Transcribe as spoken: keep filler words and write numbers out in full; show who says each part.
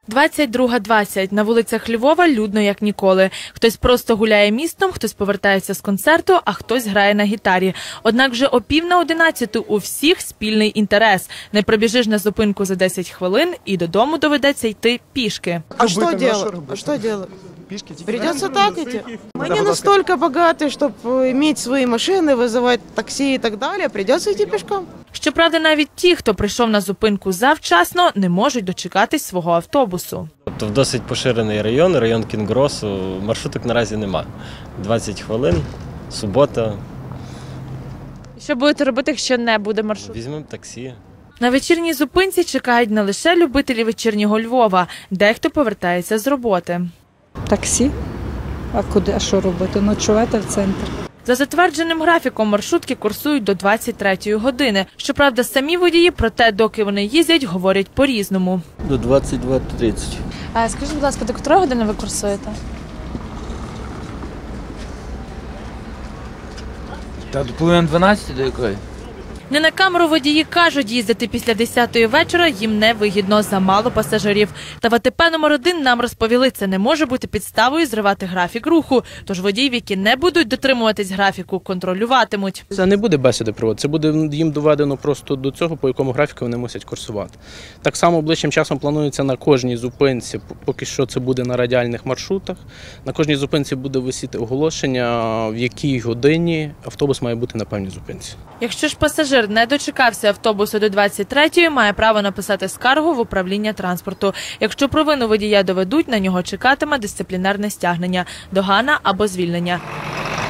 Speaker 1: двадцять друга двадцять. На вулицях Львова людно як ніколи. Хтось просто гуляє містом, хтось повертається з концерту, а хтось грає на гітарі. Однак вже о пів на одинадцяту у всіх спільний інтерес. Не пробіжиш на зупинку за десять хвилин і додому доведеться йти пішки.
Speaker 2: А что делать? А что делать? Придется так идти. Мы не настолько богаты, чтобы иметь свои машины, вызывать такси и так далее. Придется идти пешком.
Speaker 1: Щоправда, навіть ті, хто прийшов на зупинку завчасно, не можуть дочекатись свого автобусу.
Speaker 3: Тобто в досить поширений район, район Кінгросу, маршруток наразі нема. двадцять хвилин, субота.
Speaker 1: Що будете робити, якщо не буде маршруту?
Speaker 3: Візьмемо таксі.
Speaker 1: На вечірній зупинці чекають не лише любителі вечірнього Львова, дехто повертається з роботи.
Speaker 4: Таксі? А куди, а що робити? Ночувати в центр.
Speaker 1: За затвердженим графіком маршрутки курсують до двадцять третьої години. Щоправда, самі водії про те, доки вони їздять, говорять по-різному.
Speaker 5: До двадцять два тридцять.
Speaker 1: А скажіть, будь ласка, до котрої години ви курсуєте?
Speaker 5: Та до половини дванадцяти до якої?
Speaker 1: Не на камеру водії кажуть, їздити після десятої вечора їм невигідно, замало пасажирів. Та в АТП номер один нам розповіли, це не може бути підставою зривати графік руху. Тож водіїв, які не будуть дотримуватись графіку, контролюватимуть.
Speaker 6: Це не буде бесіди проводити, це буде їм доведено просто до цього, по якому графіку вони мусять курсувати. Так само ближчим часом планується на кожній зупинці, поки що це буде на радіальних маршрутах, на кожній зупинці буде висіти оголошення, в якій годині автобус має бути на певній зупинці.
Speaker 1: Якщо ж пасажир не дочекався автобусу до двадцять третьої, має право написати скаргу в управління транспорту. Якщо провину водія доведуть, на нього чекатиме дисциплінарне стягнення, догана або звільнення.